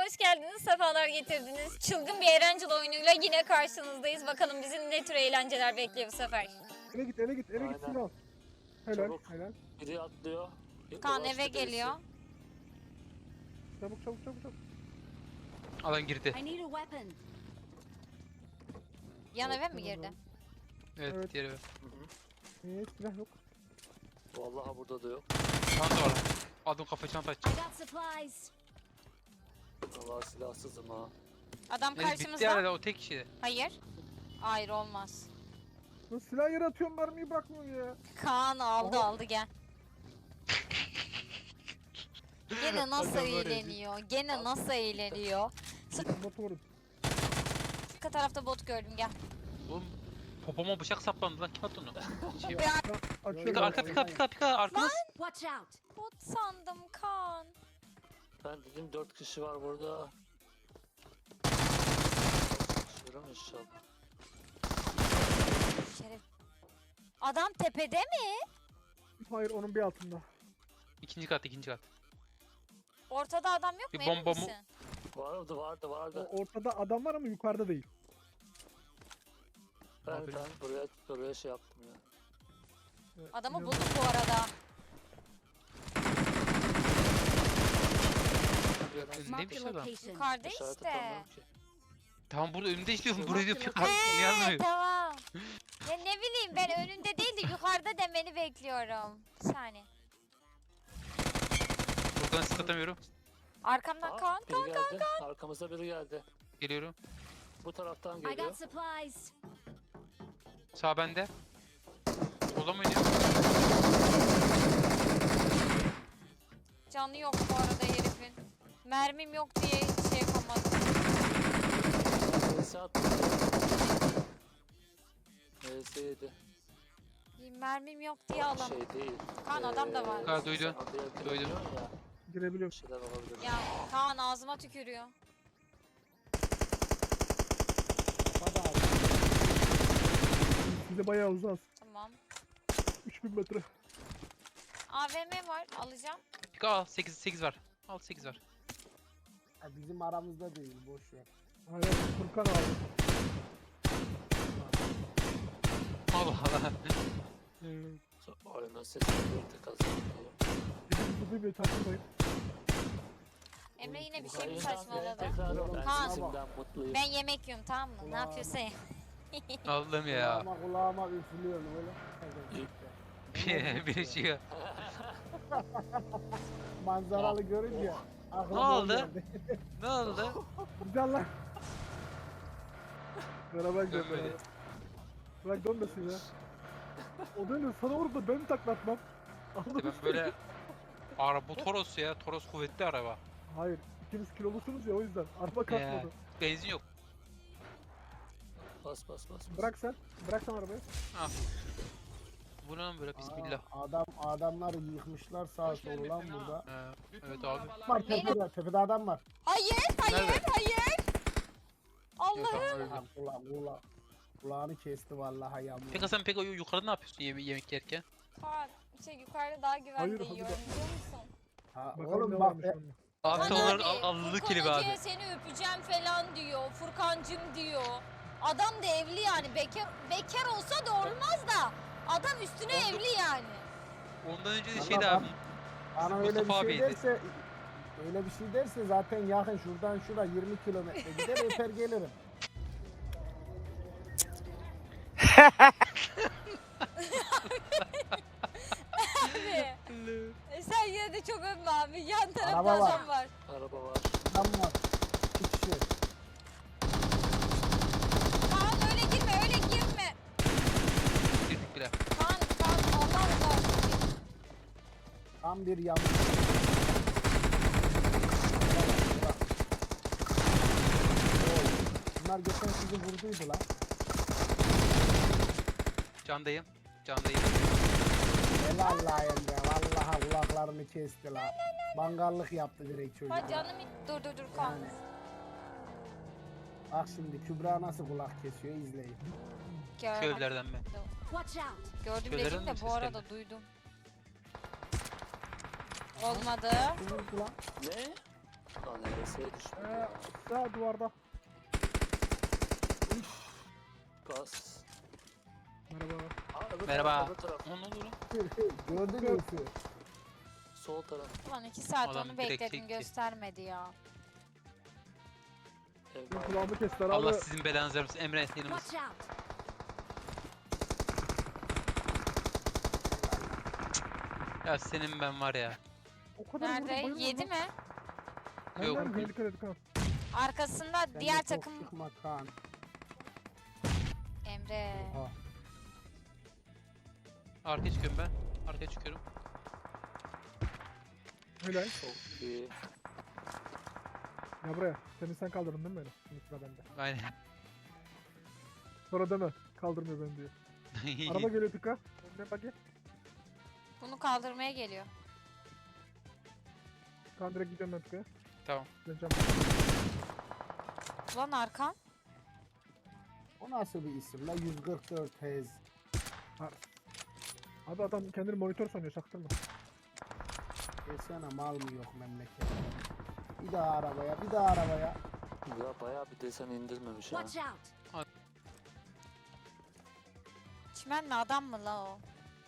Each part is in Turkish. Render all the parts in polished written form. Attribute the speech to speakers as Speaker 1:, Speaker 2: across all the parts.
Speaker 1: hoş geldiniz, sefalar getirdiniz. Çılgın bir eğlenceli oyunuyla yine karşınızdayız. Bakalım bizi ne tür eğlenceler bekliyor bu sefer.
Speaker 2: Eve git
Speaker 3: Aynen.
Speaker 2: silah. Helal,
Speaker 3: Çabuk.
Speaker 2: helal.
Speaker 3: Biri atlıyor.
Speaker 1: Kaan
Speaker 3: Ulaştı
Speaker 1: eve
Speaker 3: birisi.
Speaker 1: geliyor.
Speaker 2: Çabuk.
Speaker 4: Alan girdi.
Speaker 5: I need a weapon.
Speaker 1: Yan eve mi girdi?
Speaker 4: Evet,
Speaker 2: Evet.
Speaker 4: diğeri.
Speaker 3: Hı hı.
Speaker 2: Silah yok.
Speaker 3: Vallahi burada da yok.
Speaker 4: Çanta var. Adım kafa çanta
Speaker 5: I
Speaker 4: açacak.
Speaker 5: got supplies.
Speaker 3: Vallahi silahsızım ha.
Speaker 1: Adam
Speaker 4: Evet, bitti
Speaker 1: karşımızda.
Speaker 4: herhalde o tek kişi.
Speaker 1: Hayır. Hayır, olmaz.
Speaker 2: Lan silah yere atıyorum, mermiyi bırakmıyor ya.
Speaker 1: Kaan aldı
Speaker 2: Aha.
Speaker 1: aldı gel. Gene nasıl
Speaker 4: Adam var ya.
Speaker 1: eğleniyor? Gene nasıl eğleniyor?
Speaker 2: Motorum.
Speaker 1: Arka tarafta bot gördüm, gel.
Speaker 4: Oğlum popoma bıçak saplandı lan, kim attı onu? Şey var.
Speaker 1: Ya,
Speaker 2: Açıyorum.
Speaker 4: Pika arka pika arkanız.
Speaker 5: Watch out.
Speaker 1: bot sandım Kaan.
Speaker 3: Ben dedim 4 kişi var burada. Şuram inşallah.
Speaker 1: Şeref. Adam tepede mi?
Speaker 2: Hayır, onun bir altında.
Speaker 4: İkinci kat.
Speaker 1: Ortada adam yok
Speaker 4: Bir
Speaker 1: mu? Emin
Speaker 4: bomba mı?
Speaker 1: misin?
Speaker 3: Vardı.
Speaker 2: Ortada adam var ama yukarıda değil.
Speaker 3: Ben
Speaker 4: Aferin.
Speaker 3: buraya şey yaptım ya.
Speaker 1: Adamı
Speaker 2: İnan-
Speaker 1: bulduk bu arada.
Speaker 4: Önünde
Speaker 5: Mark
Speaker 4: bir
Speaker 5: the
Speaker 4: şey adam.
Speaker 5: location.
Speaker 1: Yukarıda
Speaker 3: İşaret
Speaker 1: işte.
Speaker 3: atamıyorum ki.
Speaker 4: Tamam burada önümde istiyorum.
Speaker 5: Yok,
Speaker 4: Buraya diyor
Speaker 5: yok,
Speaker 4: pika.
Speaker 5: yok.
Speaker 4: Niye anlamıyorum?
Speaker 1: Tamam. Ya ne bileyim, ben önünde değil de yukarıda demeni bekliyorum. Bir saniye.
Speaker 4: Buradan sık atamıyorum.
Speaker 1: Arkamdan
Speaker 3: Aa,
Speaker 1: Kaan.
Speaker 3: biri geldi. Arkamıza biri geldi.
Speaker 4: Geliyorum.
Speaker 3: Bu taraftan
Speaker 5: I
Speaker 3: geliyor.
Speaker 5: got supplies.
Speaker 4: Sağ bende. Sola mı oynuyor?
Speaker 1: Canı yok bu arada herifin. Mermim yok diye hiç şey yapamadım.
Speaker 3: Neyse attı. Neyse yedi.
Speaker 1: Mermim yok diye alam.
Speaker 3: Şey değil.
Speaker 1: Kaan, adam da var.
Speaker 4: Ha, duydum.
Speaker 3: sen odaya
Speaker 4: Duydum.
Speaker 3: girebiliyorsun Ya,
Speaker 2: Girebiliyorum.
Speaker 3: bir şeyler olabilir.
Speaker 1: Ya Kaan ağzıma tükürüyor.
Speaker 2: Hadi abi. Size bayağı uzağız.
Speaker 1: Tamam.
Speaker 2: 3000 metre.
Speaker 1: AVM var, alacağım.
Speaker 4: Pika al 8 var. Al 8 var.
Speaker 6: Ya bizim aramızda değil, boş ver.
Speaker 2: Hayır, Furkan abi.
Speaker 4: Allah Allah.
Speaker 3: Oyunun sesini birlikte kazanıyor.
Speaker 2: Bizim gibi takılmayın.
Speaker 1: Emre yine bir şey mi
Speaker 3: Yayından
Speaker 1: saçmaladı?
Speaker 3: tekrar o. Ben
Speaker 1: Kaan.
Speaker 3: sesimden mutluyum.
Speaker 1: Ben yemek yiyorum, tamam mı? Ne
Speaker 6: Ulan.
Speaker 1: yapıyorsa ye.
Speaker 4: Allah'ım ya.
Speaker 6: Kulağıma üflüyor böyle.
Speaker 4: Bir şey yok.
Speaker 6: Manzaralı görünce aklıma
Speaker 4: Ne
Speaker 6: o
Speaker 4: oldu?
Speaker 6: geldi.
Speaker 4: Ne oldu?
Speaker 2: Güzel lan. Beraber gidelim
Speaker 4: Dönmedi.
Speaker 2: beraber. Bırak dönmesin ya. O dönüyor, sana vurup da ben taklatmam.
Speaker 4: İşte
Speaker 2: Anladın
Speaker 4: ben
Speaker 2: mı?
Speaker 4: böyle bu Toros ya. Toros kuvvetli araba.
Speaker 2: Hayır, ikiniz kilolusunuz ya, o yüzden. Araba kalkmadı.
Speaker 4: Benzin yok.
Speaker 3: Bas.
Speaker 2: Bırak sen arabayı.
Speaker 4: Bu ne lan böyle bismillah.
Speaker 6: Adamlar yıkmışlar sağa sola lan burada.
Speaker 4: Evet abi.
Speaker 6: Var tepede adam var.
Speaker 1: Hayır,
Speaker 4: Nerede?
Speaker 1: hayır.
Speaker 4: Yok,
Speaker 1: Allah'ım.
Speaker 4: tamam, öldüm.
Speaker 6: Kulağını kesti vallahi yağmur.
Speaker 4: Peki sen yukarıda ne yapıyorsun yemek yerken?
Speaker 1: Kaan, yukarıda daha güvende
Speaker 2: Hayır, hadi
Speaker 1: yiyorum, biliyor musun?
Speaker 6: Ha,
Speaker 2: Bakalım
Speaker 6: oğlum
Speaker 2: ne
Speaker 6: bak
Speaker 2: varmış onda.
Speaker 4: Abi
Speaker 1: Kaan
Speaker 4: onların
Speaker 1: abi,
Speaker 4: allık
Speaker 1: Furkan
Speaker 4: klibi
Speaker 1: Hoca'ya
Speaker 4: abi.
Speaker 1: seni öpeceğim falan diyor. Furkancım diyor. Adam da evli yani. Bekar olsa da olmaz da. Adam üstüne evli yani.
Speaker 4: Ondan önce de
Speaker 6: Vallahi
Speaker 4: şeydi abi.
Speaker 6: Bana öyle bir
Speaker 4: Mustafa
Speaker 6: şey
Speaker 4: abiydi.
Speaker 6: derse öyle bir şey derse zaten yakın şuradan şura 20 kilometre gider öper gelirim.
Speaker 1: Abi. Sen yine de çok övme abi. Yan tarafta
Speaker 6: Araba var.
Speaker 1: adam var.
Speaker 3: Araba var.
Speaker 6: Adam var. İki kişi.
Speaker 1: Kaan öyle girme.
Speaker 4: Girdik bile.
Speaker 1: Kaan Allah Allah.
Speaker 6: Tam bir yanlış. Bunlar geçen sizi vurduydu lan.
Speaker 4: Candayım.
Speaker 6: Helal la Emre. Vallahi kulaklarını kesti la. Mangallık yaptı direkt çocuk.
Speaker 1: Ha
Speaker 6: ya.
Speaker 1: canım, dur Kaan.
Speaker 6: Yani. Bak şimdi Kübra nasıl kulak kesiyor izleyin.
Speaker 4: Şu
Speaker 1: Gördüm.
Speaker 4: evlerden ben.
Speaker 5: Watch out.
Speaker 1: Gördüm
Speaker 4: Köylerden
Speaker 1: dedim de
Speaker 4: mi
Speaker 1: bu arada
Speaker 4: seslendi?
Speaker 1: duydum. Olmadı.
Speaker 6: Kimin kulak?
Speaker 3: Ne? Lan neresi? düşmedi ya.
Speaker 2: Sağ duvarda.
Speaker 3: Gaz.
Speaker 2: Merhaba.
Speaker 3: Aa,
Speaker 4: Merhaba.
Speaker 3: Öbür taraf.
Speaker 4: Ne oldu lan?
Speaker 6: Gördün mü?
Speaker 3: Sol taraf.
Speaker 1: Ulan 2 saat
Speaker 4: Adam
Speaker 1: onu
Speaker 4: direkt
Speaker 1: bekledim
Speaker 4: çekti.
Speaker 1: göstermedi ya.
Speaker 3: Ev
Speaker 2: Benim
Speaker 3: var.
Speaker 2: kulağımı kestiler
Speaker 4: Allah
Speaker 2: abi.
Speaker 4: sizin belanızı vermesin. Emre yanımız.
Speaker 5: Watch out.
Speaker 4: Ya senin ben var ya.
Speaker 2: O kadar vurdum,
Speaker 1: Nerede?
Speaker 2: bayılmadım
Speaker 1: Yedi
Speaker 2: lan.
Speaker 1: mi?
Speaker 4: Yok.
Speaker 2: Benden mi? Dikkat et kan.
Speaker 1: Arkasında
Speaker 6: Sen de
Speaker 1: diğer
Speaker 6: çok
Speaker 1: takım
Speaker 6: Çıkma Kaan.
Speaker 1: Emre.
Speaker 6: Oha.
Speaker 4: Arkaya çıkıyorum ben. Arkaya çıkıyorum.
Speaker 2: Helal.
Speaker 3: Çok iyi.
Speaker 2: Ya buraya. Sen kaldırdın değil mi beni? Şimdi sıra bende.
Speaker 4: Aynen.
Speaker 2: Sonra deme. Kaldırmıyor beni diyor. Araba geliyor tıka. Ne bak gel.
Speaker 1: Bunu kaldırmaya geliyor.
Speaker 2: Kan direkt gidiyorum ben tıkaya.
Speaker 4: Tamam.
Speaker 2: Döneceğim.
Speaker 1: Ulan arkam.
Speaker 6: O nasıl bir isim la? 144 Hz.
Speaker 2: Abi adam kendini monitör sanıyor, çaktırma.
Speaker 6: Desene mal mı yok memlekette. Bir daha arabaya, bir daha arabaya.
Speaker 3: Ya bayağı bir desen indirmemiş ha.
Speaker 5: Watch out.
Speaker 1: Çimen mi adam mı la o?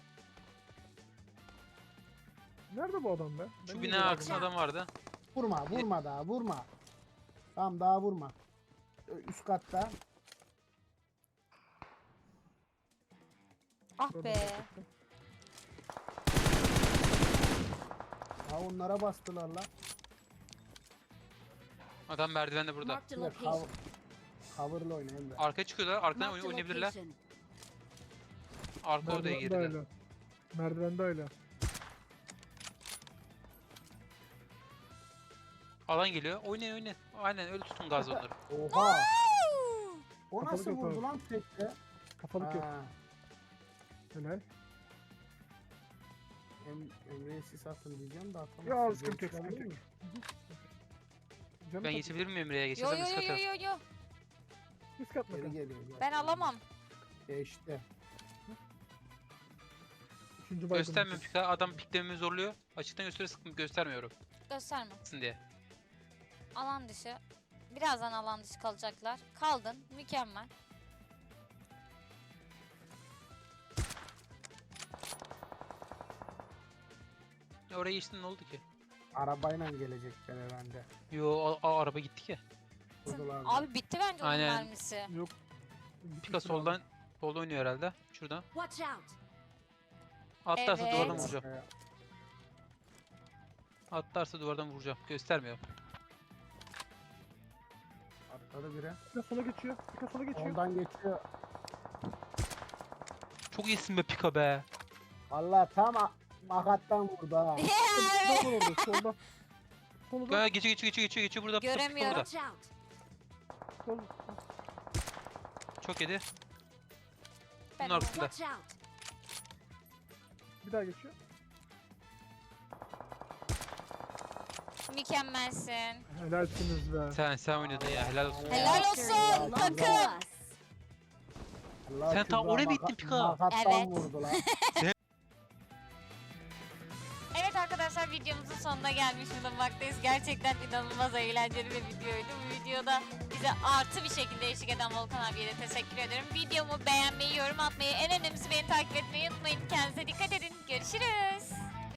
Speaker 2: Nerede bu adam be? Ben
Speaker 4: Şu
Speaker 2: niye
Speaker 4: bina
Speaker 2: görmedim?
Speaker 4: arkasında adam vardı.
Speaker 6: Vurma, vurma daha, vurma. Tamam daha vurma. Üst katta.
Speaker 1: Ah be.
Speaker 6: Ha onlara bastılar la.
Speaker 4: Adam merdivende burada.
Speaker 5: Marked a
Speaker 6: Cover,
Speaker 5: location.
Speaker 6: cover'la oyna Emre.
Speaker 4: Arkaya çıkıyorlar. Arkadan
Speaker 5: Marked a
Speaker 4: oynayabilirler.
Speaker 5: location.
Speaker 4: Arka odaya
Speaker 2: Merdivende
Speaker 4: girdiler.
Speaker 2: öyle. Merdivende öyle.
Speaker 4: Alan geliyor. Oynayın oynayın. Aynen öyle tutun gaz onları.
Speaker 6: Oha. O
Speaker 2: Kapalı
Speaker 6: nasıl vurdu
Speaker 2: kapalı.
Speaker 6: lan tekte?
Speaker 2: Kafalık yok.
Speaker 6: Ha,
Speaker 2: Helal.
Speaker 6: Emre'ye sis atın diyeceğim de atamazsın.
Speaker 2: Ya sıkıntı yok,
Speaker 6: Görüşler
Speaker 2: sıkıntı
Speaker 6: değil
Speaker 2: yok.
Speaker 6: mi?
Speaker 2: Canım
Speaker 4: Ben
Speaker 2: tak-
Speaker 4: geçebilir miyim Emre'ye?
Speaker 1: Yo
Speaker 4: Geçersem
Speaker 1: yo
Speaker 4: üst
Speaker 1: yo
Speaker 4: kata.
Speaker 1: yo yo.
Speaker 2: Risk atma
Speaker 6: Geri
Speaker 2: kan.
Speaker 6: geliyor. gel.
Speaker 1: Ben alamam.
Speaker 6: Geçti.
Speaker 2: Üçüncü baygın.
Speaker 4: Göstermiyorum pika. Adam piklememi zorluyor. Açıktan göstermiyorum.
Speaker 1: Gösterme.
Speaker 4: Diye.
Speaker 1: Alan dışı. Birazdan alan dışı kalacaklar. Kaldın. Mükemmel.
Speaker 4: Ya oraya geçtin ne oldu ki?
Speaker 6: Arabayla gelecekler herhalde.
Speaker 4: Yo araba gitti ki.
Speaker 6: Vurdular.
Speaker 1: Abi bitti bence onun
Speaker 4: Aynen.
Speaker 1: mermisi.
Speaker 2: Yok.
Speaker 4: Pika soldan oynuyor herhalde. Şuradan.
Speaker 5: Watch out.
Speaker 4: Atlarsa
Speaker 1: Evet.
Speaker 4: duvardan vuracağım. Atlarsa duvardan vuracağım. Göstermiyor.
Speaker 6: Atladı biri.
Speaker 2: Pika sola geçiyor. Pika sola geçiyor.
Speaker 6: Ondan geçiyor.
Speaker 4: Çok iyisin be Pika be.
Speaker 6: Valla tam makattan vurdu ha.
Speaker 2: Solda var orada, solda. Solda.
Speaker 4: Ya geçiyor burada. Pika, Pika
Speaker 1: Göremiyorum.
Speaker 4: burada.
Speaker 5: Watch out.
Speaker 2: Sol.
Speaker 4: Çok yedi.
Speaker 1: Ben
Speaker 4: Bunun arkasında.
Speaker 5: Watch out.
Speaker 2: Bir daha geçiyor.
Speaker 1: Mükemmelsin.
Speaker 2: Helalsiniz be.
Speaker 4: Sen oynadın ya helal olsun.
Speaker 1: Helal
Speaker 6: Ya.
Speaker 1: olsun
Speaker 5: Belongs
Speaker 1: takım.
Speaker 5: to us.
Speaker 6: Allah
Speaker 4: Sen tam
Speaker 6: Kübra
Speaker 4: oraya mı gittin Pika?
Speaker 6: Makattan
Speaker 1: Evet.
Speaker 6: vurdu lan.
Speaker 1: Evet arkadaşlar videomuzun sonuna gelmiş bulunmaktayız. Gerçekten inanılmaz eğlenceli bir videoydu. Bu videoda bize artı bir şekilde eşlik eden Volkan abiye de teşekkür ederim. Videomu beğenmeyi, yorum atmayı, en önemlisi beni takip etmeyi unutmayın. Kendinize dikkat edin. Görüşürüz.